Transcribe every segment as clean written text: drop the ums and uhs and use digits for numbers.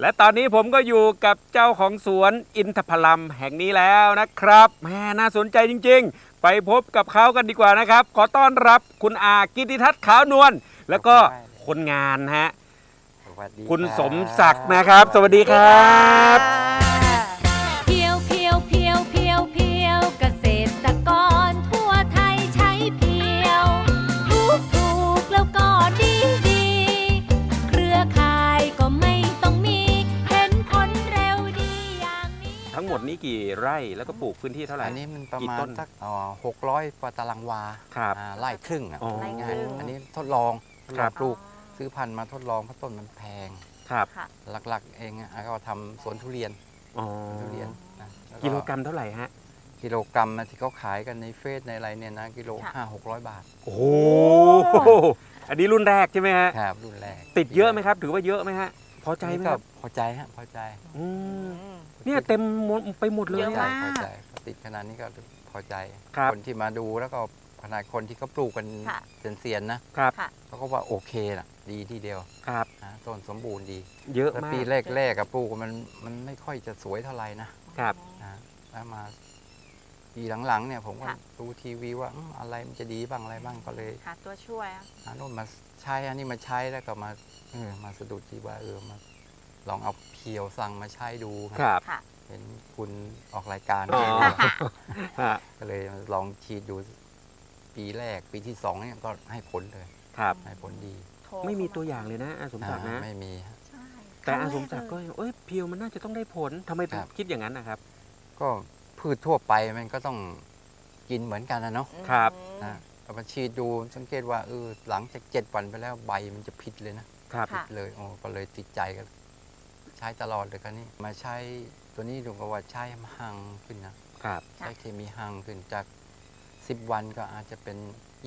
และตอนนี้ผมก็อยู่กับเจ้าของสวนอินทผลัมแห่งนี้แล้วนะครับแหมน่าสนใจจริงๆไปพบกับเขากันดีกว่านะครับขอต้อนรับคุณอากิติทัศน์ขาวนวลแล้วก็คนงานฮะคุณสมศักดิ์นะครับสวัสดีครับเพียวเพียวเพียวเพียวเพียวเกษตรกรทั่วไทยใช้เพียวถูกแล้วก็ดีเครือข่ายก็ไม่ต้องมีเห็นผลเร็วดีอย่างนี้ทั้งหมดนี้กี่ไร่แล้วก็ปลูกพื้นที่เท่าไหร่อันนี้มันประกี่มาต้ณนสัก600 กว่าตารางวาครับไร่ครึ่งอ่ะอ๋ออันนี้ทดลองครับปลูกซื้อพันธุ์มาทดลองเพราะต้นมันแพงครับหลักๆเองอ่ะก็ทำสวนทุเรียนอ๋อทุเรียนนะแวกิโลกรัมเท่าไหร่ฮะกิโลกรัมนะที่เขาขายกันในเฟซในอะไรเนี่ยนะกิโล 500-600 บาทโอ้โหอันนี้รุ่นแรกใช่ไหมฮะครับรุ่นแรกติดเยอะไหมครับถือว่าเยอะไหมฮะพอใจไหมก็ครับพอใจฮะพอใจอืมเนี่ยเต็มหมดไปหมดเลยเยอะอะมากพอใจติดขนาดนี้ก็พอใจครับคนที่มาดูแล้วก็ขนาดคนที่เขาปลูกกันค่ะเซียนๆนะครับค่ะเขาก็ว่าโอเคนะดีทีเดียวครับนะต้นสมบูรณ์ดีเยอะแล้วมากปีแรกๆกับปลูกมันไม่ค่อยจะสวยเท่าไหร่นะครับ นะแล้วมาปีหลังๆเนี่ยผมก็ค่ะดูทีวีว่าอะไรมันจะดีบ้างอะไรบ้างก็เลยหาตัวช่วยหาโน่นมาใช้อันนี้มาใช้แล้วก็มาสะดุดที่ว่ามาลองเอาเพียวสั่งมาใช้ดูครับค่ะเห็นคุณออกรายการอ๋อ ฮะก็เลยลองฉีดดูปีแรกปีที่2เนี่ยก็ให้ผลเลยครับให้ผลดีไม่มีตัวอย่างเลยนะอาสมศักดิ์นะไม่มีฮะใช่แต่อาสมศักดิ์ก็เอ้ยเพียวมันน่าจะต้องได้ผลทำไมถึงครับคิดอย่างนั้นนะครับก็พืชทั่วไปมันก็ต้องกินเหมือนกันนะเนาะครับนะเอามาฉีดดูสังเกตว่าหลังจาก7 วันไปแล้วใบมันจะผิดเลยนะครับค่ะเลยก็เลยติดใจกันใช้ตลอดเลยกันนี่มาใช้ตัวนี้ดูก็ว่าใช้ห่างขึ้นนะครับ ใช้เคมีห่างขึ้นจาก10 วันก็อาจจะเป็น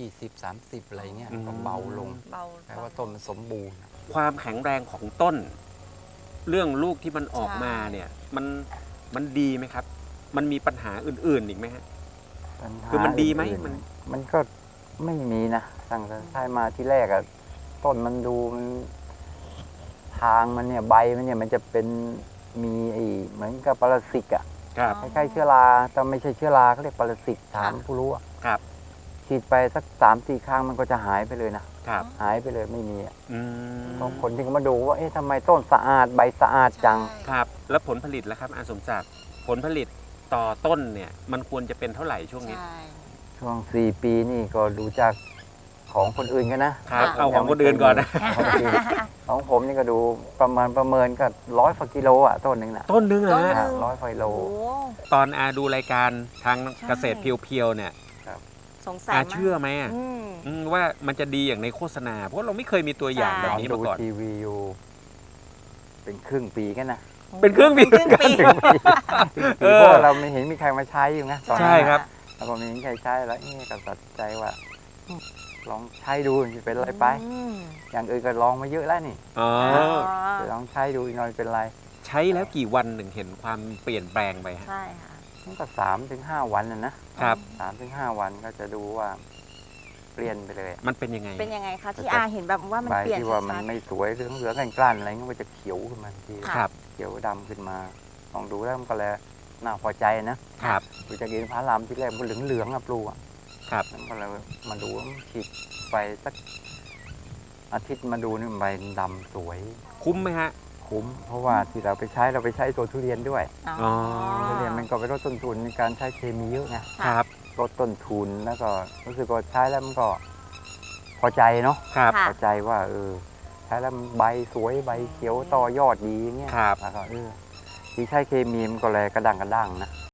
20-30อะไรเงี้ยอืมก็เบาลงเบาแปลว่าต้นมันสมบูรณ์ความแข็งแรงของต้น เรื่องลูกที่มันออกมาเนี่ยมันดีไหมครับ มันมีปัญหาอื่นๆอีกไหมฮะปัญหาคือมันดีไหมอื่นๆมันมันก็ไม่มีนะตั้งแต่ใช้มาที่แรกอะต้นมันดูมันทางมันเนี่ยใบมันเนี่ยมันจะเป็นมีเหมือนกับปรสิตอะครับคล้ายๆเชื้อราแต่ไม่ใช่เชื้อราเขาเรียกปรสิตถามผู้รู้อะครับฉีดไปสัก3-4 ครั้งมันก็จะหายไปเลยนะครับ หายไปเลยไม่มีอะอืมบางคนที่เขามาดูว่าเอ๊ะทำไมต้นสะอาดใบสะอาดจังครับ แล้วผลผลิตล่ะครับอาสมศักดิ์ผลผลิตต่อต้นเนี่ย มันควรจะเป็นเท่าไหร่ช่วงนี้ใช่ช่วง4 ปีนี่ก็ดูจากของคนอื่นกันนะครับเอาของคนอื่นก่อนนะของผมนี่ก็ดูประเมินก็100 กว่ากิโลอ่ะต้นหนึ่งนะต้นนึงเหรอฮะ 100 กว่ากิโลโอ้ตอนอาดูรายการทางใช่เกษตรเพียวๆเนี่ยสงสัยอามากเชื่อไหมอะอืมว่ามันจะดีอย่างในโฆษณา เพราะเราไม่เคยมีตัวอย่างใช่แบบนี้ดูมาก่อนทีวีอยู่ เป็นครึ่งปีกันนะเป็นเครื่องบินครึ่งปีเออเพราะว่าเราไม่เห็นมีใครมาใช้อยู่ไงตอนนั้นใช่ครับแล้วพอไม่เห็นใครใช้แล้วก็ตัดสินใจว่า ลองใช้ดูจะเป็นอะไรไปอืมอย่างอื่นก็ลองมาเยอะแล้วนี่อ๋อลองใช้ดูอีกหน่อยเป็นไรใช้แล้วกี่วันถึงเห็นความเปลี่ยนแปลงไปฮะใช่ค่ะมันก็3-5 วันนะครับ 3-5 วันก็จะดูว่าเปลี่ยนไปเลยมันเป็นยังไงเป็นยังไงคะที่อาเห็นแบบว่ามันใบเปลี่ยนที่ว่ามันชัดไม่สวยเหลืองๆกล้านๆอะไรเงี้ยมันจะเขียวขึ้นมาทันทีค่ะครับเขียวดำขึ้นมาลองดูแล้วมันก็เลยน่าพอใจนะครับ ดูจากอินทผลัมที่แรกมันเหลืองๆอะปลูกอะครับแล้วก็เลยมาดูว่ามันฉีดไปสักอาทิตย์มาดูนี่ใบดำสวยคุ้มไหมฮะคุ้ม เพราะว่าที่เราไปใช้ตัวทุเรียนด้วยๆอ๋อทุเรียนมันก็ไปลดต้นทุนในการใช้เคมีเยอะไงครับลดต้นทุนแล้วก็รู้สึกว่าใช้แล้วมันก็พอใจเนาะครับค่ะพอใจว่าใช้แล้วมันใบสวยใบเขียวต่อยอดดีอย่างเงี้ยครับแล้วก็ที่ใช้เคมีมันก็เลยกระด้างนะ